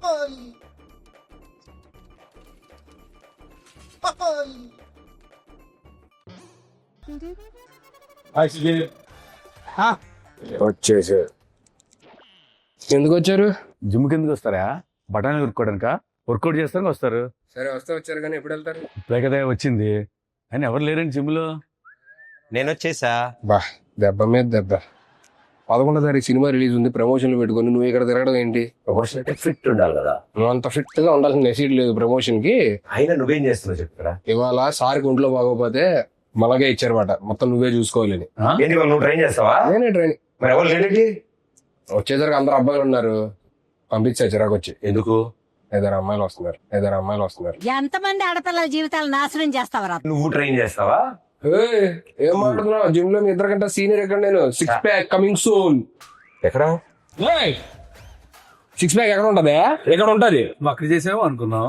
వచ్చేసారు. ఎందుకు వచ్చారు? జిమ్ కిందకి వస్తారా? బఠానీలు కొనుక్కోవడానిక? వర్కౌట్ చేస్తానికి వస్తారు. సరే వస్తే వచ్చారు, కానీ ఎప్పుడు వెళ్తారు? ఇప్పుడే కదా వచ్చింది. అని ఎవరు లేరండి జిమ్ లో. నేను వచ్చేసా. బా దెబ్బ మీద దెబ్బ. 11వ తారీఖు సినిమా రిలీజ్ ఉంది, ప్రమోషన్లు పెట్టుకుని నువ్వు ఇక్కడ తిరగడం ఏంటి? ప్రమోషన్ అంటే ఫిట్ ఉండాలి కదా. నువ్వు అంత ఫిట్ గా ఉండాల్సిన నెసీడ్ లేదు ప్రమోషన్ కి. అయినా నువ్వేం చేస్తున్నావు చెప్తారా? ఇవాళ సార్కి ఒంట్లో బాగోపోతే మనగే ఇచ్చారన్నమాట, మొత్తం నువ్వే చూసుకోవాలని. ఏంటి వాళ్ళు నువ్వు ట్రైన్ చేస్తావా? నేనే ట్రైన్. మరి ఎవరు లేడీ? వచ్చేసరికి అందరు అబ్బాయిలు ఉన్నారు, పంపించా చిరాకు వచ్చి. ఎందుకు? 5 అమ్మాయిలు వస్తున్నారు. ఎంతమంది ఆడపిల్లల జీవితాలు నాశనం చేస్తావరా? నువ్వు ట్రైన్ చేస్తావా? ఏం మాట్లాడుతున్నావు? జిమ్ లో మీ 2 గంటల సీనియర్ ఎక్కడ? నేను 6 ప్యాక్ కమింగ్ సూన్. ఎక్కడ 6 ప్యాక్ ఎక్కడ ఉంటది? ఎక్కడ ఉంటది? అక్కడ చేసామో అనుకున్నాం.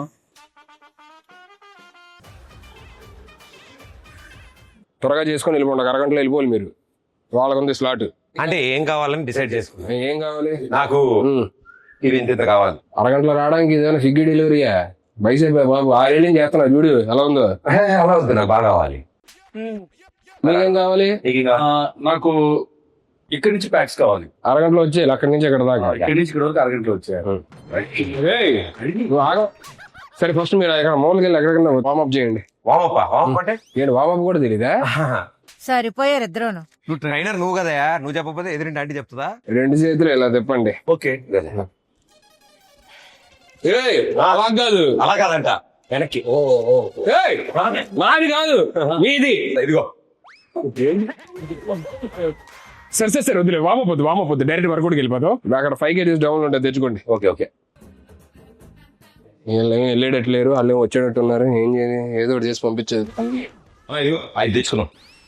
త్వరగా చేసుకొని వెళ్ళిపోండి, 1 అరగంటలో వెళ్ళిపోవాలి మీరు. వాళ్ళకుంది స్లాట్. అంటే ఏం కావాలని డిసైడ్ చేసుకున్నా. ఏం కావాలి? నాకు ఇది ఇంత కావాలి. అరగంటలో రావడానికి ఇదేమైనా స్విగ్గీ డెలివరీయా? బైసైప్ బాబు 6 ఏళ్ళు చేస్తున్నా చూడు ఎలా ఉందో. అలా వద్దు, నాకు బాగా కావాలి. మీకేం కావాలి? నాకు ఇక్కడి నుంచి ప్యాక్స్ కావాలి. అరగంటలో వచ్చేయాలి, అక్కడి నుంచి ఇక్కడ దాకా. ఇక్కడి నుంచి ఇక్కడ వరకు అరగంటలో వచ్చారు. నువ్వు ఆగ. సరే ఫస్ట్ మీరు ఇక్కడ మూలకి వెళ్ళి ఎక్కడికన్నా వార్మప్ చేయండి. వామప్ అంటే ఏంటి వార్మప్ కూడా తెలీదా? సరిపోయారు ఇద్దరును. నువ్వు ట్రైనర్ నువ్వు కదా, నువ్వు చెప్పకపోతే ఎదురింటి ఆంటీ చెప్తుందా? 2 చేతులు ఇలా తిప్పండి. ఓకే అలా కాదు, అలా కాదంట, వెనక్కి. నాది కాదు మీది. ఇదిగో సరే వద్దులే, వామపోద్దు డైరెక్ట్ వర్కౌట్కి వెళ్ళిపోతాం. అక్కడ 5 kgs డౌన్ ఉంటుంది, తెచ్చుకోండి. ఓకే వీళ్ళేమో వెళ్ళేటట్లేరు, వాళ్ళు ఏమో వచ్చేటట్టు ఉన్నారు. ఏం చేయాలి? ఏదో ఒకటి చేసి పంపించేది. అది తెచ్చుకున్నాం.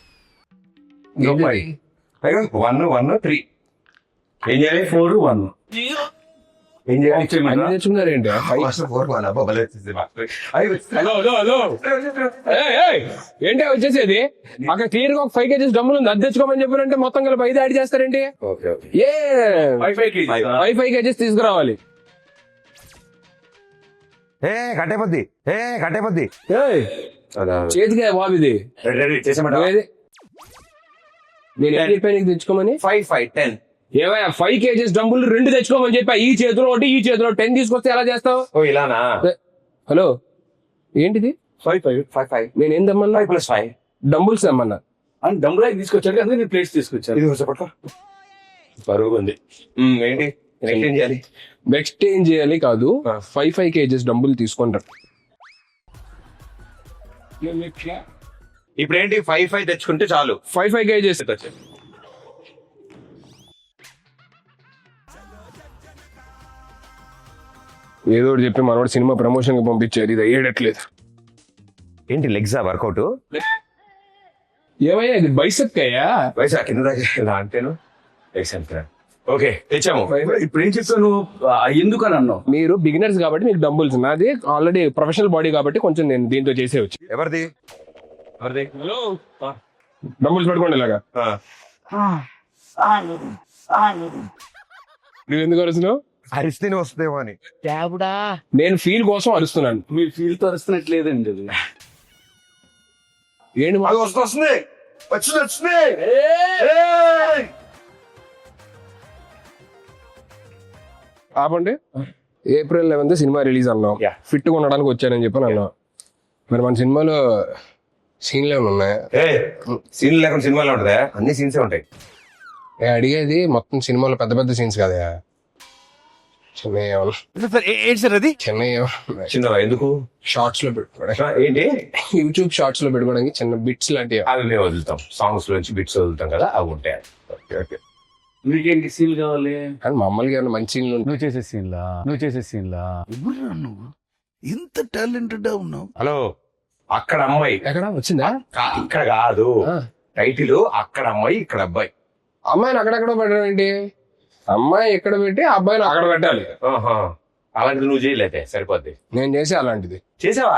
1 3 ఏం చేయాలి? 4 1 ఏం చేయాలి? అన్ని తెచ్చుకున్నారు ఏంటి? ఏంటి వచ్చేసేది? అక్కడ క్లియర్ గా ఒక 5 kgs డబ్బులు ఉంది, అది తెచ్చుకోమని చెప్పారంటే మొత్తం కలిపి 5 యాడ్ చేస్తారేంటి? 5 kgs తీసుకురావాలి. కట్టేపద్ది చేతికే బాబు ఇది. నేను ఏం చెప్పాను నీకు తెచ్చుకోమని? 5 5 10 ఏమయ్యా 5 kgs డబ్బులు 2 తెచ్చుకోమని చెప్పా. ఈ చేతిలో ఒకటి, ఈ చేతిలో 10 తీసుకొస్తే ఎలా చేస్తావు? ఇలానా? హలో ఏంటిది? 5 5 5 5 నేను ఏం తెమ్మన్నా? 5 + 5 డంబుల్స్ తెమ్మన్నా. అని డంబుల్ తీసుకొచ్చాడు, అందుకే నేను ప్లేట్స్ తీసుకొచ్చాను. ఇది చెప్పట్లా బరువు ఉంది. ఏంటి ఎక్స్చేంజ్ చేయాలి? ఎక్స్చేంజ్ చేయాలి కాదు, 5 kgs డబ్బులు తీసుకుంటారు. ఇప్పుడు ఏంటి? 5 5 తెచ్చుకుంటే చాలు. 5 kgs ఏదో ఒకటి చెప్పి మనోడు సినిమా ప్రమోషన్ కి పంపించారు. ఇది అయ్యేటట్లేదు. ఏంటి లెగ్సా వర్కౌట్? ఏమయ్యా ఇది బైసెప్ అయ్యా? వయసు కింద దాకా అంటేను. ఓకే తెచ్చాము. ఇప్పుడు ఏం చెప్తాను, ఎందుకు అని అన్నావు? మీరు బిగినర్స్ కాబట్టి మీకు డంబుల్స్, నాది ఆల్రెడీ ప్రొఫెషనల్ బాడీ కాబట్టి కొంచెం నేను దీంతో చేసేవచ్చు. ఎవరిది? హలో డంబుల్స్ పెట్టుకోండి ఇలాగా. నువ్వు ఎందుకు అరుస్తున్నావు? అరిస్తే వస్తుందేమో అని. నేను ఫీల్ కోసం అరుస్తున్నాను. మీరు ఫీల్ తో అరుస్తున్నట్లేదండి అది. ఏంటి వస్తుంది ఆపండి. April 11th సినిమా రిలీజ్ అన్నాం. ఫిట్ గా ఉండడానికి వచ్చానని చెప్పని అన్నాం. మరి మన సినిమాలో సీన్లు ఏమైనా ఉన్నాయా? సీన్లు లేకుండా సినిమాలో ఉంటుందా? అన్ని సీన్సే ఉంటాయి. అడిగేది మొత్తం సినిమాలో పెద్ద పెద్ద సీన్స్ కదా, చిన్న ఎందుకు షార్ట్స్ లో పెట్టుకోవడానికి, ఏంటి యూట్యూబ్ షార్ట్స్ లో పెట్టుకోవడానికి చిన్న బిట్స్ లాంటివి అవి మేము వదులుతాం. సాంగ్స్ లోంచి బిట్స్ వదులుతాం కదా, అవి ఉంటాయి. నీకేంటి సీన్ కావాలి? కానీ మమ్మల్ని ఏమైనా మంచి సీన్లు నువ్వు చేసే సీన్లా ఎవరురా నువ్వు ఇంత టాలెంటెడ్ ఉన్నావు? హలో, అక్కడ అమ్మాయి ఎక్కడ వచ్చిందా? ఇక్కడ కాదు టైటిల్, అక్కడ అమ్మాయి ఇక్కడ అబ్బాయి. అమ్మాయిని అక్కడెక్కడ పెట్టడం ఏంటి? అమ్మాయి ఎక్కడ పెట్టి అబ్బాయిని అక్కడ పెట్టాలి. అలాంటిది నువ్వు చేయలేదే సరిపోద్ది. నేను చేసే అలాంటిది చేసావా?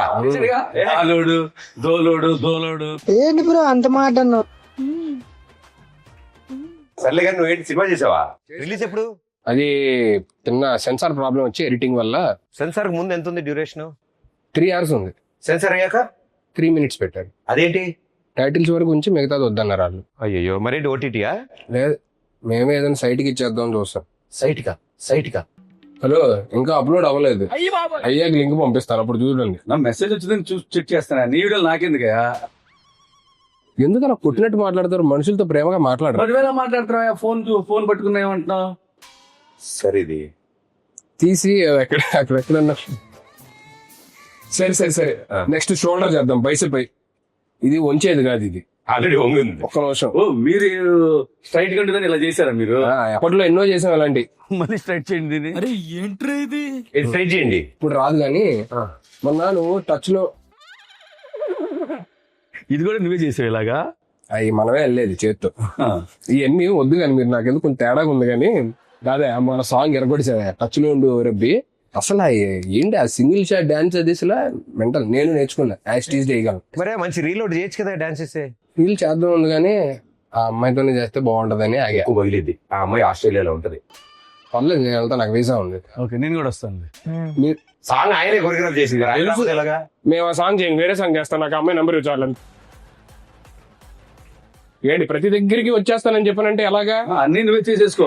దోలోడు ఏంటి బ్రో అంత మాట అన్నావు? సర్లే కానీ నువ్వేంటి సినిమా చేసావా? రిలీజ్ ఎప్పుడు? అది చిన్న సెన్సార్ ప్రాబ్లం వచ్చి ఎడిటింగ్ వల్ల సెన్సార్ ముందు ఎంత ఉంది డ్యూరేషన్? 3 hours ఉంది. సెన్సార్ అయ్యాక 3 minutes పెట్టారు. అదేంటి? టైటిల్స్ వరకు ఉంచి మిగతాది వద్దన్నారు వాళ్ళు. అయ్యో, మరేంటి ఓటీటీయా? లేదు, మేమే ఏదైనా సైట్కి ఇచ్చేద్దాం చూస్తాం. సైట్ కా హలో, ఇంకా అప్లోడ్ అవ్వలేదు. అయ్యాక లింక్ పంపిస్తాను, అప్పుడు చూడండి. నా మెసేజ్ వచ్చిందని చూసి చెక్ చేస్తాను. నీ వీడియోలు నాకెందుకయ్యా? ఎందుకు అలా కొట్టినట్టు మాట్లాడతారు? మనుషులతో ప్రేమగా మాట్లాడరు. 10,000 మాట్లాడుతున్నావా? ఫోన్ పట్టుకున్నా ఏమంటున్నావు? సరే ఇది తీసి ఎక్కడన్నా. సరే నెక్స్ట్ షోల్డర్ చేద్దాం, బైసెప్. ఇది వంచేది కాదు, ఇది ఆల్రెడీ వంగింది. ఒక్క నిమిషం. ఓ, మీరు స్ట్రైట్ గా ఇలా చేశారా మీరు? అప్పట్లో ఎన్నో చేసాం అలాంటి. మళ్ళీ స్ట్రైట్ చేయండి దీన్ని. అరే ఏంట్రా ఇది? ట్రై చేయండి. ఇప్పుడు రాదు కానీ మొన్న నువ్వు టచ్ లో ఇది కూడా నువ్వే చేసావు ఇలాగా? అవి మనమే వెళ్ళేది చేత్తో. ఇవన్నీ వద్దు కానీ మీరు నాకు ఎందుకు కొంచెం తేడాగా ఉంది కానీ కాదే మన సాంగ్ ఎరగొడిసా టచ్ లో ఉండు రబ్బి. అసలు ఏంటి ఆ సింగిల్ షాట్ డాన్స్ అది అసలు మెంటల్. నేను నేర్చుకున్నా, యాస్టీజ్ చేయగలను. మరే మంచి రీలోడ్ చేయొచ్చు కదా డాన్స్ చేస్తే. ఫీల్ చేద్దాం ఉంది కానీ ఆ అమ్మాయితోనే చేస్తే బాగుంటదని ఆగా. ఎక్కువ పగిలిద్ది. ఆ అమ్మాయి ఆస్ట్రేలియాలో ఉంటది. పర్లేదు, నేను వెళ్తా, నాకు వీసా ఉంది. ఓకే, నేను కూడా వస్తాను. మీరు సాంగ్ ఆయనే కొరియోగ్రాఫ్ చేసింది. ఎలాగా? మేము ఆ సాంగ్ చేయండి, వేరే సాంగ్ చేస్తాను. నాకు అమ్మాయి నెంబర్ ఇవ్వాలని. ఏంటి ప్రతి దగ్గరికి వచ్చేస్తానని చెప్పానంటే ఎలాగా? అన్ని నువ్వే చేసేసుకో.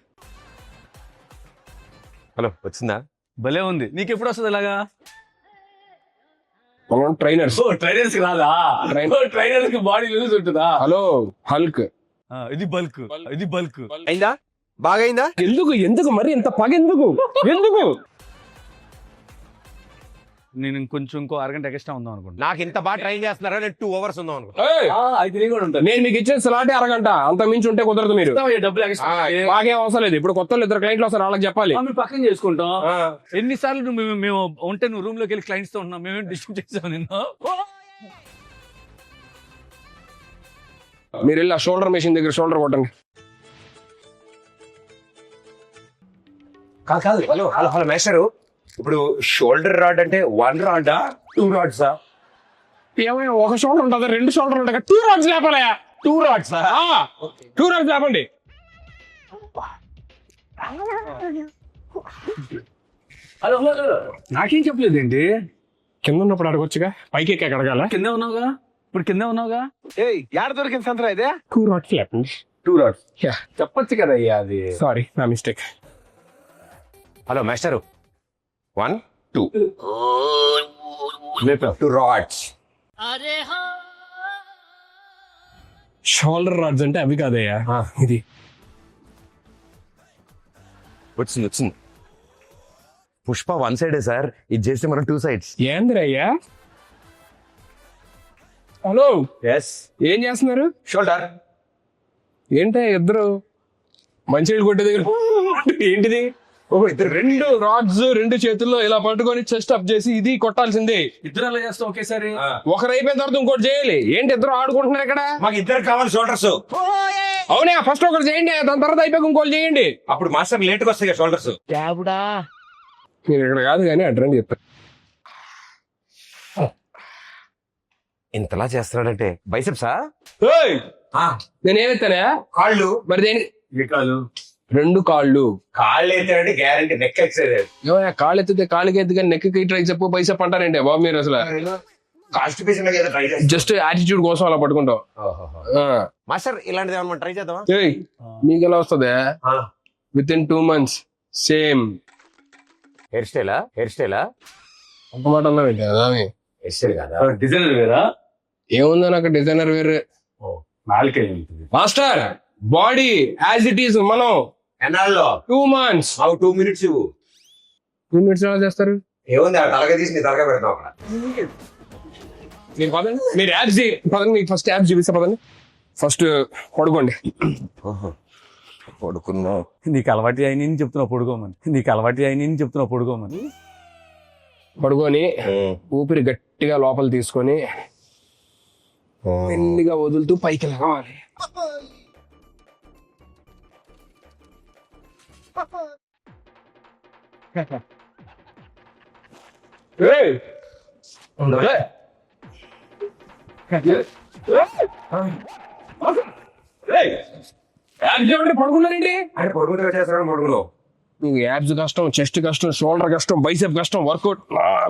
హలో, వచ్చిందా? భలే ఉంది. నీకు ఎప్పుడు వస్తుంది ఇలాగా? మనం ట్రైనర్స్. ట్రైనర్స్ కి రాదా? ట్రైనర్స్ కి బాడీ లూజ్ ఉంటుందా? Hello Hulk. ఇది బల్క్. అయిందా? బాగా అయిందా? ఎందుకు మరి ఇంత పగ ఎందుకు? నేను ఇంకో అరగంట ఎక్స్ట్రా ఉందాం అనుకుంటా. నాకు ఇంత బాగా ట్రైన్ చేస్తున్నారా? నేను 2 hours ఉందాం అనుకో. అయితే నేను కూడా ఉంటాను. నేను మీకు ఇచ్చే స్లాటే అరగంట, అంత మించి ఉంటే కుదరదు. మీరు డబ్బులు ఎక్స్ట్రా మాకేం అవసరం లేదు. ఇప్పుడు కొత్త 2 క్లయింట్లు వస్తారు, వాళ్ళకి చెప్పాలి. మేము పక్కన చేసుకుంటాం. ఎన్నిసార్లు మేము ఉంటే నువ్వు రూమ్ లోకి వెళ్ళి క్లయింట్స్ తో ఉన్నాం. మేమేం డిస్టర్బ్ చేసాం నిన్ను? మీరు వెళ్ళి ఆ షోల్డర్ మెషిన్ దగ్గర షోల్డర్ కొట్టండి. కాదు. హలో మేస్టరు, ఇప్పుడు షోల్డర్ రాడ్ అంటే 1 రాడా 2 rods? ఏమైనా ఒక షోల్డర్ ఉంటుంది, 2 షోల్డర్ ఉంటాయి. 2 rods లేపాలి. 2 rods 2 rods లేపండి. హలో నాకేం చెప్పలేదు ఏంటి? కింద ఉన్నప్పుడు అడగొచ్చుగా, పైకి ఎక్కి అడగాల. కింద ఉన్నావుగా, ఇప్పుడు కింద ఉన్నావుగా. యాడ దొరికింది సంతరా ఇదే? 2 rods లేపండి. 2 rods చెప్పొచ్చు కదా అయ్యా. అది సారీ, నా mistake. Hello master, 1 2 2 rods. Shoulder rods అంటే అవి కాదయ్యా, ఇది. వచ్చింది. పుష్ప 1 side సార్, ఇది చేస్తే మనం 2 sides. ఏందిరయ్యా? Hello, yes. ఏం చేస్తున్నారు? షోల్డర్. ఏంటో ఇద్దరు మంచి కొట్టే దగ్గర ఏంటిది? ఇద్దరు 2 రాడ్స్ 2 చేతుల్లో ఇలా పట్టుకొని చెస్ట్ అప్ చేసి ఇది కొట్టాల్సిందే. ఇద్దరు అలా చేస్తాం ఒకేసారి. ఒకరు అయిపోయిన తర్వాత ఇంకోటి చేయాలి. ఏంటి ఇద్దరు ఆడుకుంటున్నారు ఇక్కడ? మాకు ఇద్దరు కావాలి షోల్డర్స్. అవునా, ఫస్ట్ ఒకరు చేయండి, దాని తర్వాత అయిపోయి ఇంకోటి చేయండి. అప్పుడు మాస్టర్ లేట్ గా వస్తాయి షోల్డర్స్. మీరు ఇక్కడ కాదు కానీ అడ్రండి చెప్తారు. ఇంతలా చేస్తున్నాడంటే బైసెప్సా? నేనేమెత్తానా? కాళ్ళు. మరి దేని? కాళ్ళు. 2 కాళ్ళు. కాళ్ళు ఎత్తాడంటే గ్యారంటీ నెక్ ఎక్సైజ్. ఏమయ్యా, కాళ్ళు ఎత్తితే కాళ్ళకి ఎత్తి కానీ నెక్కి ట్రై చెప్పు బైసెప్ అంటారంటే బాబు మీరు అసలు. కాన్స్టిపేషన్ జస్ట్ యాటిట్యూడ్ కోసం అలా పట్టుకుంటాం. మాస్టర్ ఇలాంటిది ఏమన్నా ట్రై చేద్దామా? మీకు ఎలా వస్తుంది? Within 2 months same hair స్టైలా ఒక మాట అన్నా పెట్టా. హెయిర్ స్టైల్ కదా, డిజైనర్ వేరా? ఏముందో నాకు డిజైనర్ వేరే. నాలుకే master body as it is మనం ఎన్నాళ్ళలో 2 months. 2 minutes ఇవ్వు. 2 minutes ఎలా చేస్తారు? ఏముంది, తలగా తీసి నీ తలగా పెడతాం అక్కడ. మీరు పదండి, మీరు యాప్స్ పదండి, మీకు ఫస్ట్ యాప్స్ చూపిస్తా. పదండి, ఫస్ట్ పడుకోండి. పడుకున్నా. నీకు అలవాటు అయిన చెప్తున్నావు పడుకోమని. పడుకొని ఊపిరి గట్టిగా లోపల తీసుకొని మెల్లిగా వదులుతూ పైకి రావాలి. పడుకున్నారండి? ఆయన పడుకుంటే చేస్తాడు. పడుకున్నావు నీకు యాబ్స్ కష్టం, చెస్ట్ కష్టం, షోల్డర్ కష్టం, బైసెప్ కష్టం, వర్కౌట్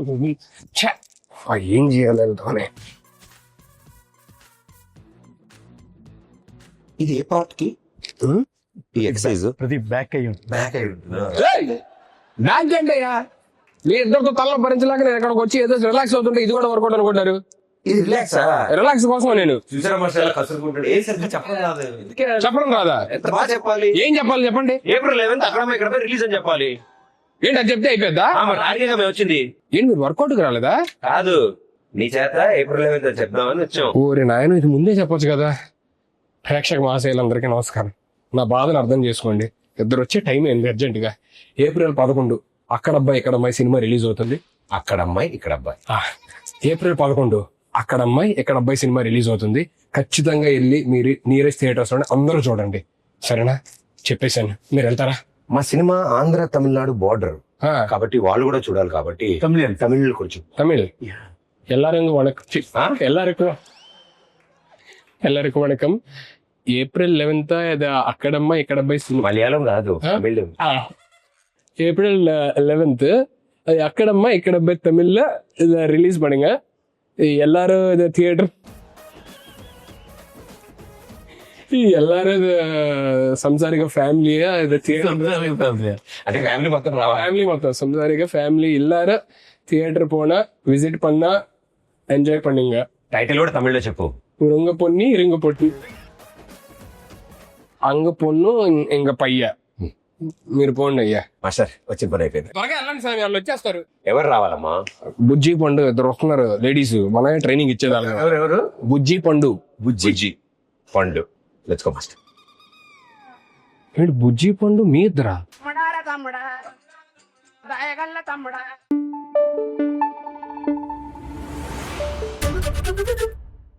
ఏం చేయాలి వెళ్తానే. ఇది ఏ పార్ట్ కి ఈ ఎక్సర్సైజ్ ప్రతి బ్యాక్ అయ్యి బ్యాక్ బ్యాక్ అంటే మీ ఇద్దరితో తలలో భరించలేక నేను ఇక్కడికి వచ్చి ఏదో రిలాక్స్ అవుతుంటే ఇది కూడా వర్కౌట్ అనుకుంటారు. ఇది రిలాక్స్ రిలాక్స్ కోసం నేను చూసారా మసాలా కసురుకుంటాడు ఏ సరిగ్గా చెప్పడం రాదు చెప్పడం రాదా? ఎంత బాగా చెప్పాలి. ఏం చెప్పాలి చెప్పండి. ఏప్రిల్ 11th అక్కడ ఇక్కడ రిలీజ్ అని చెప్పాలి. ఏంటి అది చెప్తే అయిపోద్దా? రాడిగా మేము వచ్చింది ఏంటి మీరు వర్కౌట్కి రాలేదా? కాదు నీ చేత ఏప్రిల్ 11th చెప్దామని వచ్చాం. ఓరే నాయన ఇది ముందే చెప్పొచ్చు కదా. ప్రేక్షక మహాశయులందరికీ నమస్కారం. నా బాధను అర్థం చేసుకోండి. ఇద్దరు వచ్చే టైం ఏంది అర్జెంట్ గా. ఏప్రిల్ 11 అక్కడ అబ్బాయి ఇక్కడ అమ్మాయి సినిమా రిలీజ్ అవుతుంది. అక్కడ అమ్మాయి ఇక్కడ అబ్బాయి. ఏప్రిల్ 11 అక్కడ అమ్మాయి ఇక్కడ అబ్బాయి సినిమా రిలీజ్ అవుతుంది. ఖచ్చితంగా వెళ్ళి మీరు నియరెస్ట్ థియేటర్స్ లో అందరూ చూడండి. సరేనా? చెప్పేశాను. మీరు వెళ్తారా? మా సినిమా ఆంధ్ర తమిళనాడు బార్డర్ ఆ, కాబట్టి వాళ్ళు కూడా చూడాలి కాబట్టి తమిళ్ కొంచెం தமிழ் எல்லாரும் வணக்கம். எல்லாருக்கும் வணக்கம். ఏప్రిల్ 11 ఇది అక్కడమ్మ ఇక్కడ అబ్బాయి సినిమా. మలయాళం కాదు తమిళ్. ஏப்ரல் 11 அது அக்கடம்மா ఇక్కడ அబ్బాయి தமிழ்ல இதை ரிலீஸ் பண்ணுங்க. எல்லாரும் இது தியேட்டர் எல்லாரும் இது సంసారిక ఫ్యామిలీயா இது అంటే ఫ్యామిలీ మొత్తం రావాలి. ఫ్యామిలీ మొత్తం సంసారిక ఫ్యామిలీ எல்லாரும் தியேட்டர் போனா விசிட் பண்ணா ఎంజాయ్ பண்ணுங்க. టైటిల్ కూడా తమిళ్లో చెప్పు. உங்க பொண்ணு இருங்க பொண்ணு అంగ పొన్ను ఇంక పయ్య. మీరు పోండి అయ్యా. మాస్టర్ వచ్చిన పని అయిపోయింది. త్వరగా వెళ్ళండి స్వామి, వాళ్ళు వచ్చేస్తారు. ఎవరు రావాలమ్మా? బుజ్జి పండు ఇద్దరు వస్తున్నారు లేడీస్. మనమే ట్రైనింగ్ ఇచ్చేదాన్ని. ఎవరు? బుజ్జి పండు. బుజ్జి పండు. Let's go master. ఏంటి బుజ్జి పండు మీ ఇద్దరా? తమ్ముడా